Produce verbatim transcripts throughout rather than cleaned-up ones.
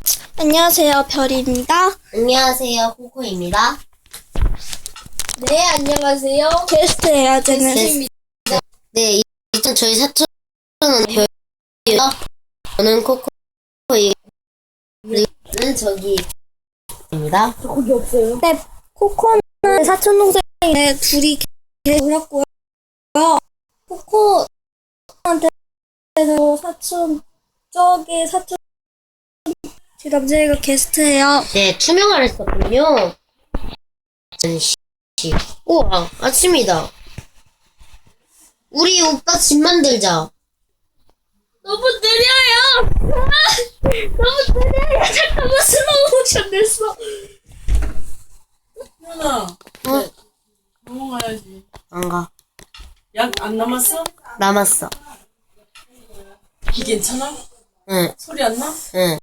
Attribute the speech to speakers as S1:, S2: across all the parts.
S1: 안녕하세요, 별입니다.
S2: 안녕하세요, 코코입니다.
S3: 네, 안녕하세요.
S1: 게스트예요, 저는.
S3: 게스트입니다.
S2: 네, 일단 저희 사촌은 별이요. 저는 코코이는 저기입니다.
S3: 저 거기 없어요.
S1: 네, 코코는 사촌 동생인데 둘이 계셨고요. 코코한테 사촌 저기 사촌 제 남자애가 게스트예요.
S2: 네, 투명화를 했었군요. 씨. 우와, 아침이다. 우리 오빠 집 만들자.
S3: 너무 느려요. 아, 너무 느려요. 잠깐만 슬로우 모션 됐어.
S4: 현아,
S2: 어?
S4: 넘어가야지.
S2: 안 가.
S4: 약 안 남았어?
S2: 남았어.
S4: 이 괜찮아?
S2: 응,
S4: 소리 안 나?
S2: 응.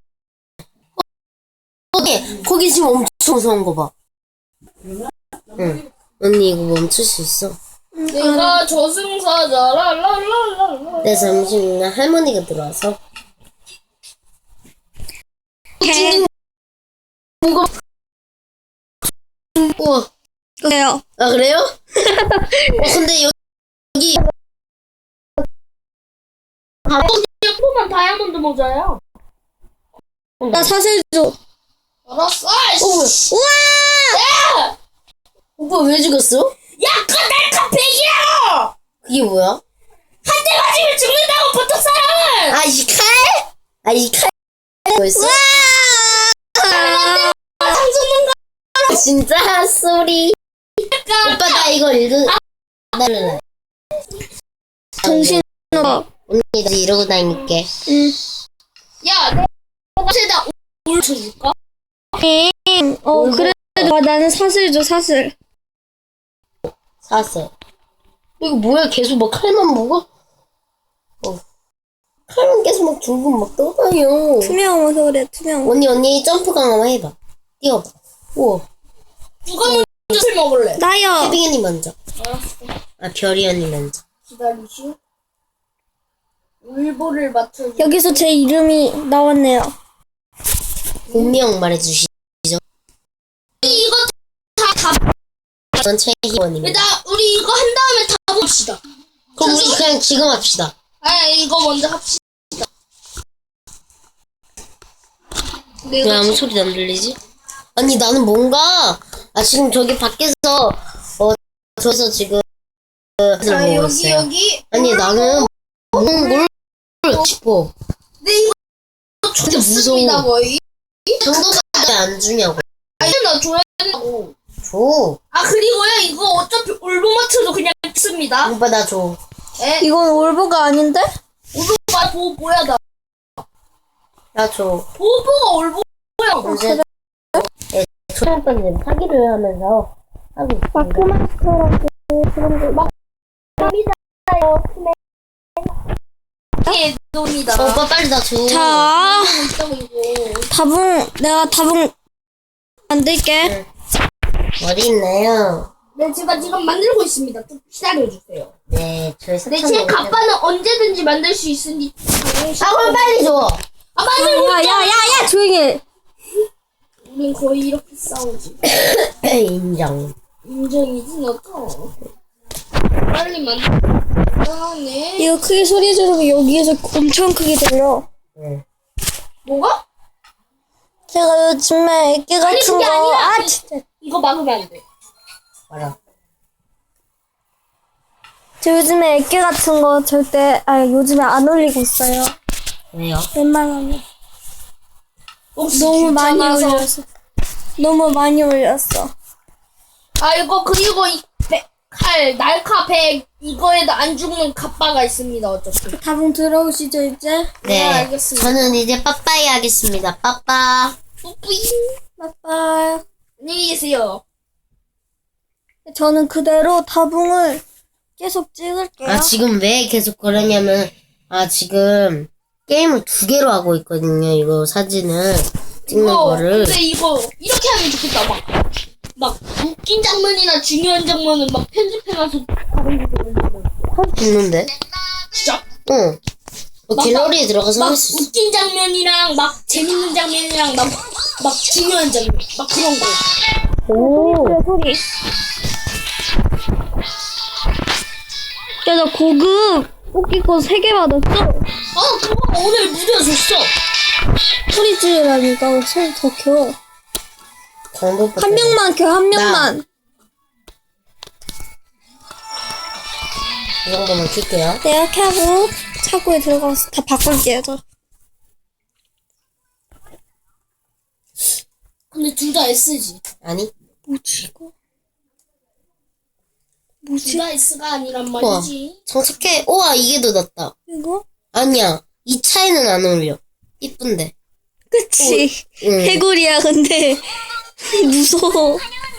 S2: 거기, 거기 지금 엄청 무서운 거 봐. 응. 언니 이거 멈출 수 있어?
S3: 내가 저승사자 랄랄랄랄라.
S2: 네, 잠시만요. 할머니가 들어와서.
S1: 개.
S2: 뭐가? 우와.
S1: 그래요.
S2: 아, 그래요? 어, 근데 여기.
S3: 아, 예쁘면 다이아몬드 모자야.
S1: 나 사실 줘.
S3: 알았어.
S2: 어,
S3: 아이씨.
S2: 뭐야?
S3: 우와!
S2: 오빠 왜 죽었어?
S3: 야, 그거 날카 백이야!
S2: 그게 뭐야?
S3: 한 대 맞으면 죽는다고 보통 사람은!
S2: 아, 이 칼? 아, 이 칼? 뭐였어?
S3: 상승는
S2: 아, 진짜? 쏘리. 오빠, 나 이거 읽은, 나는.
S1: 정신 없어.
S2: 언니, 나 이러고 다닐게.
S1: 응.
S3: 야, 내가 세다 올 쳐줄까?
S1: 응. 어, 그래도 아, 나는 사슬 줘, 사슬.
S2: 사세. 이거 뭐야? 계속 막 칼만 먹어? 어. 칼만 계속 막 들고 막 떠다녀.
S1: 투명해서 그래, 투명.
S2: 언니, 언니, 점프 강화만 해봐. 뛰어봐. 우와.
S3: 누가 먼저 술 먹을래?
S1: 나요.
S2: 혜빈 언니 먼저.
S3: 알았어.
S2: 아, 별이 언니 먼저.
S3: 기다리시. 울보를 맞춰줘.
S1: 여기서 제 이름이 나왔네요.
S2: 본명 말해주시죠.
S3: 이거 다, 다,
S2: 전 최희원입니다.
S3: 일단, 우리 이거 한 다음에 다 봅시다.
S2: 그럼 우리 그냥 지금 합시다.
S3: 아, 이거 먼저 합시다.
S2: 왜
S3: 내가
S2: 아무 소리도 안 들리지? 아니, 나는 뭔가, 아, 지금 저기 밖에서, 어, 저기서 지금,
S3: 자,
S2: 보고
S3: 여기,
S2: 있어요.
S3: 여기.
S2: 아니, 나는, 뭘, 뭘 싶어.
S3: 네, 이거
S2: 진짜
S3: 좋습니다,
S2: 무서워.
S3: 거의.
S2: 정도까지 안 주냐고.
S3: 아니, 나 줘야 된다고.
S2: 줘.
S3: 아, 그리고요, 이거 어차피 울보 맞춰도 그냥 씁니다.
S2: 오빠, 나 줘.
S3: 에?
S1: 이건 올보가 아닌데?
S3: 울보가 보보야, 나.
S2: 나 줘.
S3: 보보가 울보야.
S2: 언제, 예, 초등학생 사기를 하면서 하고 있습니다.
S1: 마크마스터라고 그런 거. 막,
S3: 이게 놈이다.
S2: 어, 오빠, 빨리 나 줘.
S1: 자,
S3: 있다고, 이거.
S1: 다붕, 내가 다붕 만들게.
S2: 어디 있나요?
S3: 네, 제가 지금 만들고 있습니다. 좀 기다려주세요.
S2: 네, 저희
S3: 네,
S2: 사촌.
S3: 제 갑바는 언제든지 만들 수 있으니.
S2: 아, 그럼 빨리 줘.
S3: 아, 만들고
S1: 야, 야, 야, 야, 조용히 해.
S3: 우린 거의 이렇게 싸우지.
S2: 인정.
S3: 인정이지, 너도. 빨리 만들. 네.
S1: 이거 크게 소리 지르고 여기에서 엄청 크게 들려.
S2: 네.
S3: 뭐가?
S1: 제가 요즘에 애기
S3: 아니,
S1: 같은
S3: 그게
S1: 거,
S3: 아니라.
S1: 아,
S3: 그-
S1: 진짜.
S3: 이거 막으면 안 돼.
S2: 알아.
S1: 저 요즘에 애기 같은 거 절대, 아, 요즘에 안 올리고 있어요.
S2: 왜요?
S1: 웬만하면.
S3: 혹시
S1: 너무 많이
S3: 귀찮아서.
S1: 올렸어. 너무 많이 올렸어.
S3: 아, 이거, 그리고 이 백, 칼, 날카 백, 이거에도 안 죽는 갑바가 있습니다, 어차피.
S1: 다붕 들어오시죠, 이제?
S2: 네.
S3: 알겠습니다.
S2: 저는 이제 빠빠이 하겠습니다. 빠빠.
S3: 뿌뿌잉.
S1: 빠빠이.
S3: 안녕히 계세요.
S1: 저는 그대로 다붕을 계속 찍을게요.
S2: 아, 지금 왜 계속 그러냐면, 아, 지금 게임을 두 개로 하고 있거든요. 이거 사진을 찍는
S3: 이거,
S2: 거를.
S3: 근데 이거, 이렇게 하면 좋겠다, 막. 막, 웃긴 장면이나 중요한 장면은 막 편집해놔서 다른 곳에 올리고.
S2: 할 수 있는데?
S3: 진짜?
S2: 응. 어,
S3: 막-
S2: 갤러리에 들어가서
S3: 막
S2: 할 수 있어.
S3: 웃긴 장면이랑 막 재밌는 장면이랑 막, 막 중요한 장면 막 그런 거.
S2: 오.
S1: 소리. 야, 나 고급 뽑기권 세 개 받았어.
S3: 아 그거 오늘 무려 줬어.
S1: 소리 지르라니까 소리 더 켜.
S2: 광고
S1: 한 명만 켜, 한 명만.
S2: 이 정도만 킬게요.
S1: 내가 켜고 차고에 들어가서 다 바꿀게요, 저.
S3: 근데 둘 다 S지.
S2: 아니?
S1: 뭐지, 이거?
S3: 둘
S1: 뭐지?
S3: 다 S가 아니란
S2: 우와.
S3: 말이지.
S2: 정착해. 우와, 이게 더 낫다.
S1: 이거?
S2: 아니야. 이 차이는 안 어울려. 이쁜데.
S1: 그치.
S2: 응.
S1: 해골이야, 근데. 무서워.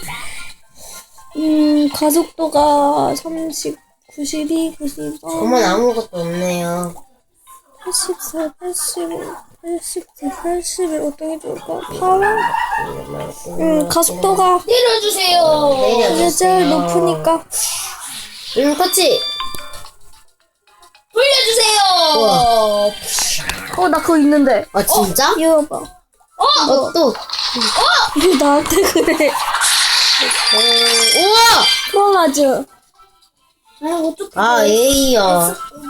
S1: 음, 가속도가 삼십, 구십이, 구십삼,
S2: 정말 아무것도 없네요.
S1: 팔십사, 팔십오, 팔십구, 팔십일. 어떤 게 좋을까? 팔? 음, 가속도가
S3: 내려주세요.
S1: 이게 제일 높으니까.
S2: 응, 그치?
S3: 돌려주세요.
S2: 우와.
S1: 어, 나 그거 있는데.
S2: 아, 진짜?
S1: 이거 봐.
S2: 어, 또.
S1: 왜 나한테 그래?
S2: 어, 우와!
S1: 프로마즈.
S3: 아 어떡해.
S2: 아, A요.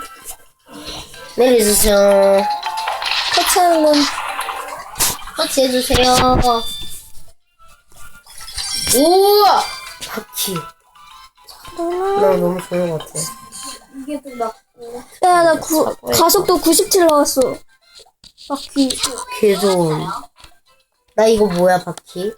S2: 내려주세요.
S1: 터치하는 건
S2: 같이 해주세요. 우와! 바퀴. 나 너무 좋은 것 같아.
S3: 이게 더 낫고.
S1: 야, 나 구, 가속도 구십칠 나왔어. 바퀴.
S2: 개 좋은. 나 이거 뭐야, 바퀴?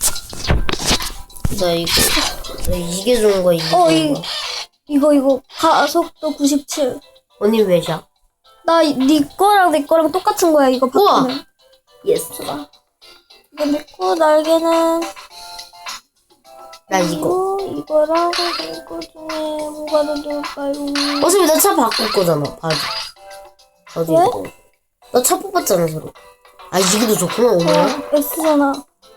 S2: 나 이거. 나 이게 좋은 거야, 이게
S1: 어,
S2: 좋은
S1: 이,
S2: 거.
S1: 이거, 이거. 가속도 구십칠.
S2: 언니 왜샷?
S1: 나, 이- 네 거랑 내 거랑 똑같은 거야, 이거
S2: 우와.
S1: 바퀴는.
S2: 예스.
S1: 이거 내 거, 날개는.
S2: 나 이거.
S1: 이거, 이거랑 이거 중에 뭐가 더 좋을까요?
S2: 어차피 나 차 바꿀 거잖아, 바지. 어디
S1: 왜?
S2: 이거. 나 차 뽑았잖아, 서로. 아, 이게 더 좋구나, 오늘.
S1: 어, S잖아.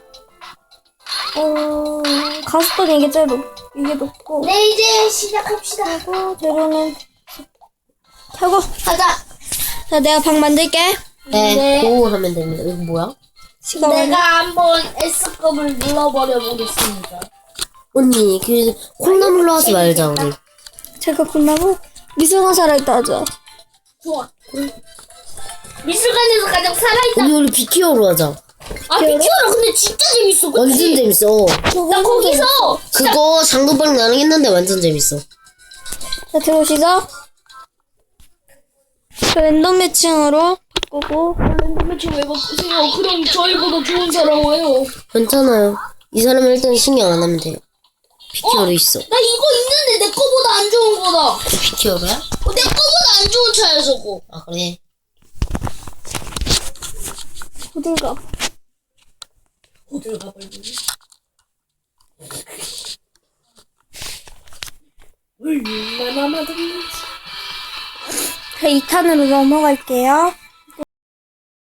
S1: 어, 가속도는 이게 제일 높, 이게 높고.
S3: 네 이제 시작합시다.
S1: 그리고 재료는 켜고.
S3: 가자.
S1: 자, 내가 방 만들게.
S2: 네,
S3: 네.
S2: 고 하면 됩니다. 이거 뭐야?
S1: 시간
S3: 내가 한번 S급을 눌러버려 보겠습니다.
S2: 언니, 그, 콩나물로 하지 말자, 우리.
S1: 제가 끝나고 미술관 살아있다 하자.
S3: 좋아. 미술관에서 가장 살아있다.
S2: 언니, 우리 비키어로 하자.
S3: 아 비키어라 근데 진짜 재밌어. 그치?
S2: 완전 재밌어.
S3: 나 거기서
S2: 그거 장도박 나랑 했는데 완전 재밌어.
S1: 자, 들어오시죠. 자, 랜덤 매칭으로 바꾸고.
S3: 랜덤매치 왜 바꾸세요? 그럼 저희보다 좋은 사람 와요.
S2: 괜찮아요. 이 사람은 일단 신경 안 하면 돼요. 비키어로 있어.
S3: 나 이거 있는데 내 거보다 안 좋은 거다.
S2: 그 비키어로야?
S3: 어, 내 거보다 안 좋은 차야 저거.
S2: 아, 그래.
S1: 어딘가.
S3: 어딜 가볼래? 얼마나 많은지.
S1: 자, 이 탄으로 넘어갈게요.